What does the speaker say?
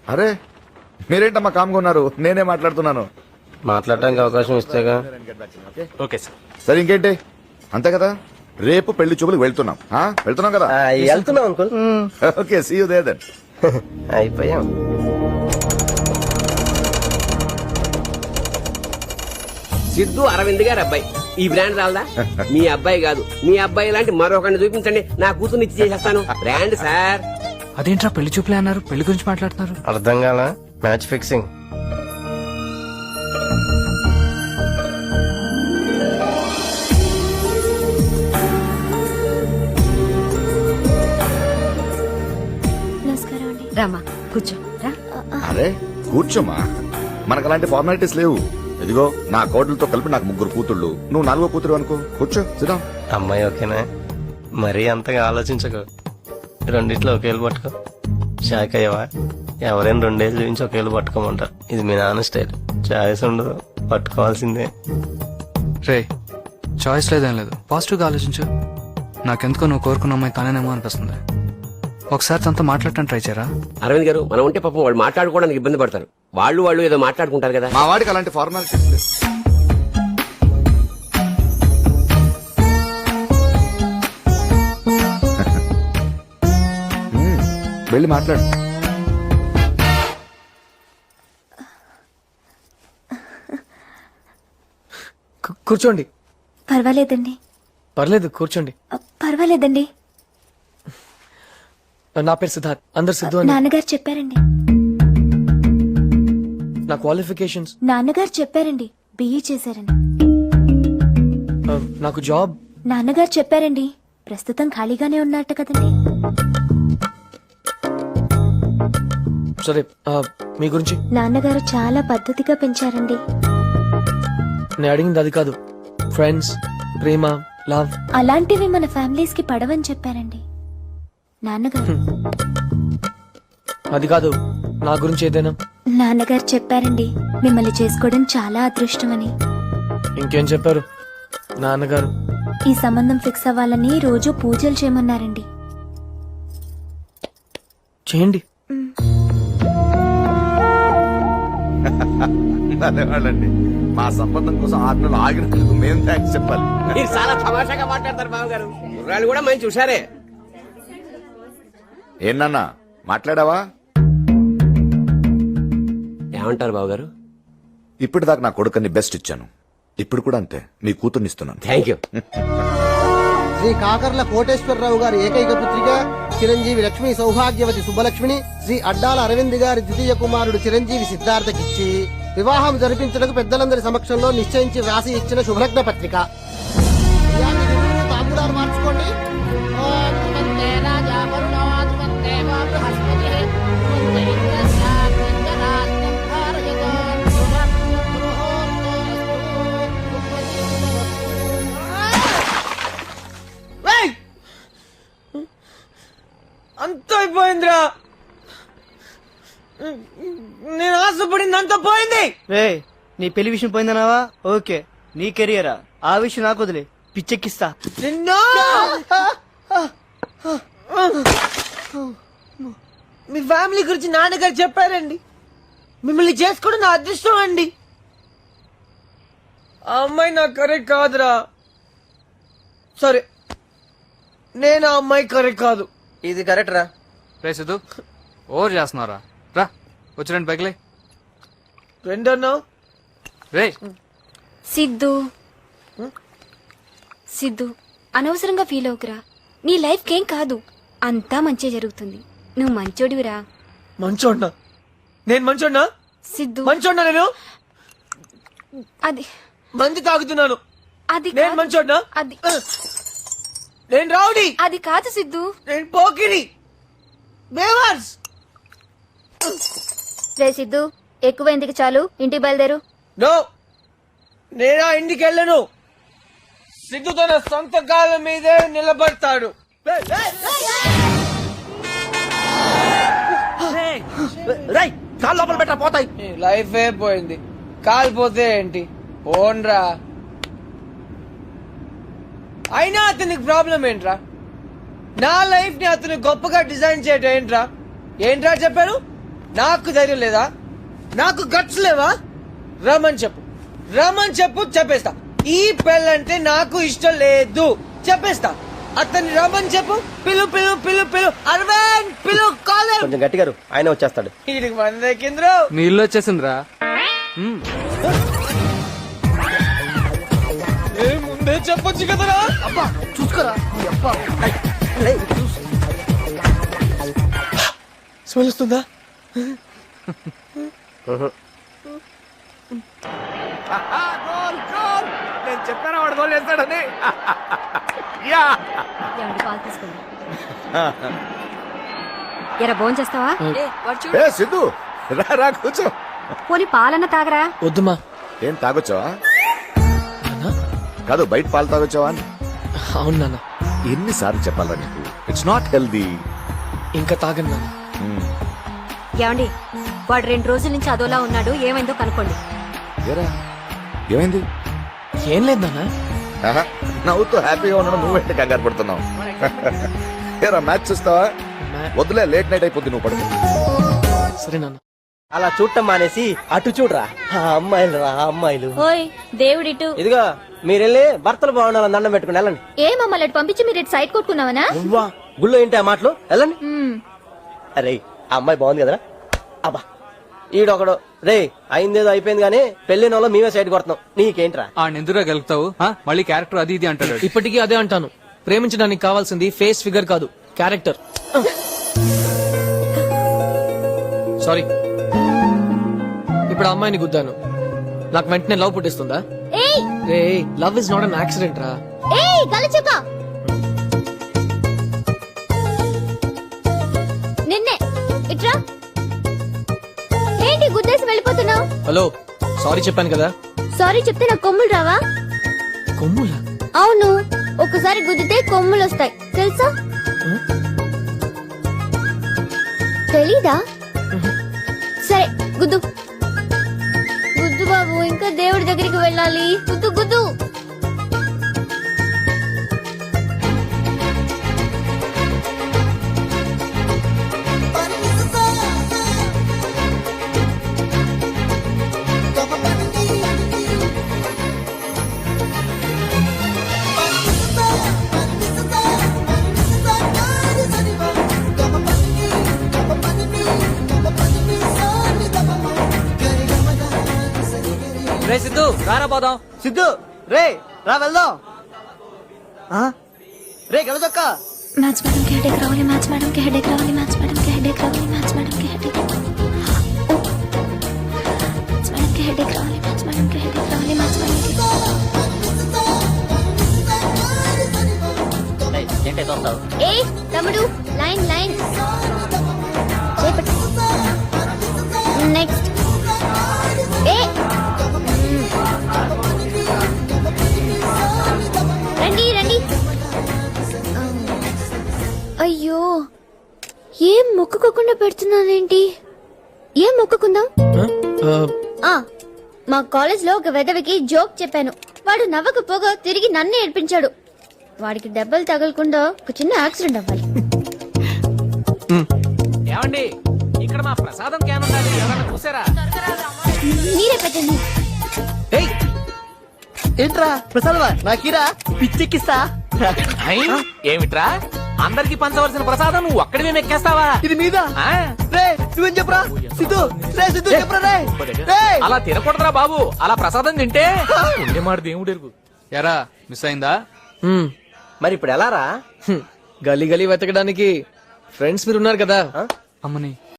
అరే మీరేంటమ్మా కామ్గా ఉన్నారు? నేనే మాట్లాడుతున్నాను. మాట్లాడడానికి అవకాశం ఇస్తేగా. Okay sir. సరే ఇంకేంటి, అంతే కదా. రేపు పెళ్లి చూపులకు వెళ్తున్నాం. వెళ్తున్నాం కదా. వెళ్తున్నాం uncle. Okay, see you there then. అయిపోయాం. సిద్ధు అరవింద్ గారు అబ్బాయి. ఈ బ్రాండ్ రాలదా? మీ అబ్బాయి కాదు, మీ అబ్బాయి లాంటి మరొకరిని చూపించండి, నా కూతుర్ని ఇచ్చి చేసేస్తాను. Brand sir. అదేంట్రా పెళ్లి చూపులే అన్నారు, పెళ్లి గురించి మాట్లాడుతున్నారు. అర్థం కాల. Match fixing. రామా కూర్చో రా. అరే కూర్చోమా, మనకు అలాంటి ఫార్మాలిటీస్ లేవు. ఇదిగో నా కోడలతో కలిపి నాకు 3 కూతుళ్ళు, నువ్వు 4వ కూతురు అనుకో. కూర్చో, సిద్ధం. అమ్మాయి ఓకేనా? మరీ అంతగా ఆలోచించకు. రెండిట్లో ఒకేళ్ళు పట్టుకో. షాక్ అయ్యవా? ఎవరైనా 2 ఏళ్ళు చూపించి ఒకేళ్ళు పట్టుకోమంటారు. ఇది మీ నాన్న స్టైల్. చాయిస్ ఉండదు, పట్టుకోవాల్సిందే. రే చాయిస్ లేదేం లేదు, పాజిటివ్గా ఆలోచించు. నాకెందుకో నువ్వు కోరుకున్న అమ్మాయి తానేనేమో అనిపిస్తుంది. ఒకసారి తనతో మాట్లాడటం ట్రై చేయరా? అరవింద్ గారు, మనం ఉంటే పాపం వాళ్ళు మాట్లాడుకోవడానికి ఇబ్బంది పడతారు. వాళ్ళు ఏదో మాట్లాడుకుంటారు కదా. మా వాడికి అలాంటి ఫార్మాలిటీస్ లేవు. వెళ్ళి మాట్లాడు. కూర్చోండి. పర్వాలేదండి. పర్లేదు, కూర్చోండి. పర్వాలేదండి. నా పేరు సిద్ధార్థ్, అందరు సిద్ధు అని. నాన్నగారు చెప్పారండి. నా క్వాలిఫికేషన్స్ నాన్నగారు చెప్పారండి. బిఈ చేశారండి. నాకు జాబ్ నాన్నగారు చెప్పారండి. ప్రస్తుతం ఖాళీగానే ఉన్నట్టు కదండి. సరే, మీ గురించి. నాన్నగారు చాలా పద్ధతిగా పెంచారండి. నేను అడిగింది అది కాదు. ఫ్రెండ్స్, ప్రేమ, లవ్ అలాంటివి మన ఫ్యామిలీస్ కి పడవని చెప్పారండి నాన్నగారు. అది కాదు, నా గురించి ఏదైనా. నాన్నగారు చెప్పారండి మిమ్మల్ని చేసుకోవడం చాలా అదృష్టమని. ఇంకేం చెప్పారు నాన్నగారు? ఈ సంబంధం ఫిక్స్ అవ్వాలని రోజు పూజలు చేయమన్నారండి. చేయండి. అదేవాళ్ళండి, మా సంబంధం కోసం 6 నెలలు ఆగినందుకు మేము థ్యాంక్స్ చెప్పాలి. మీరు చాలా తమాషాగా మాట్లాడతారు బాబు గారు. కుర్రాళ్ళు కూడా మంచి చూసారే. ఏనన్నా మాట్లాడావా? ఏమంటారు బాబు గారు? ఇప్పటిదాకా నా కొడుకుని బెస్ట్ ఇచ్చాను, ఇప్పుడు కూడా అంతే మీ కూతుర్ని ఇస్తున్నాను. Thank you. శ్రీ కాకర్ల కోటేశ్వరరావు గారి ఏకైక పుత్రిక చిరంజీవి లక్ష్మీ సౌభాగ్యవతి సుబ్బలక్ష్మిని శ్రీ అడ్డాల అరవింద్ గారి ద్వితీయ కుమారుడు చిరంజీవి సిద్ధార్థకిచ్చి వివాహం జరిపించడానికి పెద్దలందరి సమక్షంలో నిశ్చయించి వ్రాసి ఇచ్చిన శుభలగ్న పత్రిక. తాంబూలాలు మార్చుకోండి. అంత అయిపోయిందిరా. నేను ఆశపడింది అంత పోయింది. రే, నీ పెళ్లి విషయం పోయిందన్నావా? ఓకే, నీ కెరియరా? ఆ విషయం నాకు వదిలే, పిచ్చెక్కిస్తా నిన్ను. మీ ఫ్యామిలీ గురించి నాన్నగారు చెప్పారండి. మిమ్మల్ని చేసుకోవడం నా అదృష్టం అండి. ఆ అమ్మాయి నాకు కరెక్ట్ కాదురా. సరే, నేను ఆ అమ్మాయి కరెక్ట్ కాదు. ఇది కరెక్ట్ రా. రే సిద్ధు, ఓవర్ చేస్తున్నారా? రా వచ్చి రండి పైకిలే. రెండన్నా రే సిద్ధు అనవసరంగా ఫీల్ అవుకురా. నీ లైఫ్ కేం కాదు, అంతా మంచి జరుగుతుంది. నువ్వు మంచోడివిరా. మంచోడ్నా? నేను మంచోడ్నా? సిద్ధు మంచోడ్నా? నేను అది మంది తాగుతున్నాను. అది నేను మంచోడ్నా? అది నేను రౌడీ. అది కాదు సిద్ధు. నేను పోకిరి. బేవర్స్. రే సిద్ధు, ఎక్కువ ఎందుకు, చాలు ఇంటికి బయలుదేరు. నో, నేనా ఇంటికి వెళ్ళను. సిద్ధు తన సొంత కాళ్ళ మీదే నిలబడతాడు. కాళ్ళు లోపల పెట్టా, పోతాయి. లైఫ్ ఏ పోయింది, కాలిపోతే ఏంటి? పోన్రా. అయినా అతనికి ప్రాబ్లం ఏంట్రా? నా లైఫ్ ని అతను గొప్పగా డిజైన్ చేయటం ఏంట్రా? ఏంట్రా చెప్పారు? నాకు ధైర్యం లేదా? నాకు గట్స్ లేవా? రమ్మని చెప్పు చెప్పేస్తా. ఈ పెళ్ళంటే నాకు ఇష్టం లేదు చెప్పేస్తా. అతన్ని రమ్మని చెప్పు. పిలు పిలు పిలు పిలు అరవింద్ పిలు కాలర్. కొంచెం గట్టిగా ఆయన వచ్చేస్తాడు. వీడికి మన కింద్రు. నీ ఇల్లు వచ్చేసిందిరా. ముందే చెప్పొచ్చు కదరా. అబ్బా చూసుకోరా ఈ అబ్బా. స్మెల్ వస్తుందా? నేను చెప్పాను వాడు గోల్ వేస్తాడని. ఏమండి పాలు తీసుకోండి. ఎరా భోజనం చేస్తావా? ఏ సిద్ధు రా రా కూర్చో. పోనీ పాలన్న తాగరా? వద్దుమా. ఏం తాగొచ్చావా? కాదు బయట పాలు తాగొచ్చావా అని. అవును నాన్న. ఎన్నిసార్లు చెప్పాలా నీకు? It's not healthy. ఇంకా తాగను నాన్న. ఏమండి వాడు 2 రోజుల నుంచి అదోలా ఉన్నాడు, ఏమైందో కనుక్కోండి. ఏరా ఏమైంది? ఏం లేదు నాన్న. ఆహా, నవ్వుతూ హ్యాపీగా ఉండడం నువ్వేంటి కంగారు పడుతున్నావు? ఏరా మ్యాచ్ చూస్తావా? వద్దులే, లేట్ నైట్ అయిపోద్ది, నువ్వు పడుకో. సరే నాన్న. అలా చూడటం మానేసి అటు చూడరా. ఆ అమ్మాయిలు రా అమ్మాయిలు. ఓయ్ దేవుడిటు. ఇదిగో మీరెళ్ళి భర్తలు బాగుండాలని దండం పెట్టుకుని వెళ్ళండి. ఏ మమ్మల్ని అటు పంపించి మీరు ఇటు సైడ్ కొట్టుకున్నావనా? నువ్వా గుళ్ళో ఏంటి ఆ మాటలు? వెళ్ళండి. అరే ఆ అమ్మాయి బాగుంది కదరా. అబ్బా ఈడొకడు రే అయిందేదో అయిపోయింది గానీ పెళ్లిన వాళ్ళు మేమే సైడ్ కొడుతున్నాం. నీకేంట్రా? ఆ ఎందుకురా గెలుపుతావు? మళ్ళీ క్యారెక్టర్ అది ఇది అంటాడు. ఇప్పటికీ అదే అంటాను. ప్రేమించడానికి కావాల్సింది ఫేస్ ఫిగర్ కాదు, క్యారెక్టర్. సారీ. ఇప్పుడు ఆ అమ్మాయిని గుద్దాను, నాకు వెంటనే లవ్ పుట్టిస్తుందా? రే love is not an accident రా. నిన్నే ఇట్రా. ఏంటి గుద్దేసి వెళ్ళిపోతున్నావు? హలో సారీ చెప్పాను కదా. సారీ చెప్తే నాకు కొమ్ములు రావా? కొమ్ములా? అవును, ఒకసారి గుద్దితే కొమ్ములు వస్తాయి తెలుసా? తెలీదా? సరే గుద్దు గుద్దు బాబు, ఇంకా దేవుడి దగ్గరికి వెళ్ళాలి. గుద్దు గుద్దు. రే సిద్ధు రారా పోదాం. సిద్ధు రే రా వెళ్దాం. రే గెలదొక్క. మ్యాచ్ మేడం కి హెడేక్ రావాలి, మ్యాచ్ మేడం కి హెడేక్ రావాలి, మ్యాచ్ మేడం కి హెడేక్ రావాలి, మ్యాచ్ మేడం కి హెడేక్ రావాలి, మ్యాచ్ మేడం కి హెడేక్ రావాలి, మ్యాచ్ మేడం కి హెడేక్ రావాలి, మ్యాచ్ మేడం కి. ఏ తమ్ముడు లైన్ లైన్ చేపట్టు. నెక్స్ట్ ఏ రండి రండి. అయ్యో ఏం మొక్కుకోకుండా పెడుతున్నానేంటి? ఏం మొక్కుకుందాం? మా కాలేజ్ లో ఒక వెధవికి జోక్ చెప్పాను, వాడు నవ్వకపోగా తిరిగి నన్ను ఏడ్పించాడు. వాడికి దెబ్బలు తగలకుండా ఒక చిన్న యాక్సిడెంట్ అవ్వాలి. ఏమండి ఇక్కడ మా ప్రసాదం క్యాన్ ఉండాలి, ఎవరైనా చూసారా? మీరే పెట్టండి. ఏంట్రా ప్రసాదమా? నాకీరా పిచ్చెక్కిస్తా. ఏమిట్రా అందరికి పంచవలసిన ప్రసాదం నువ్వు ఒక్కడివే మెక్కేస్తావా? ఇది మీద రే నువ్వేం చెప్పరా సిద్ధు? రే సిద్ధు చెప్పరా? రే అలా తినకూడదురా బాబు, అలా ప్రసాదం తింటే ఉండే మాట దేవుడు ఎరుగు. ఎరా మిస్ అయిందా? మరి ఇప్పుడు ఎలా రా? గలీ గలీ వెతకడానికి ఫ్రెండ్స్ మీరు ఉన్నారు కదా. అమ్మని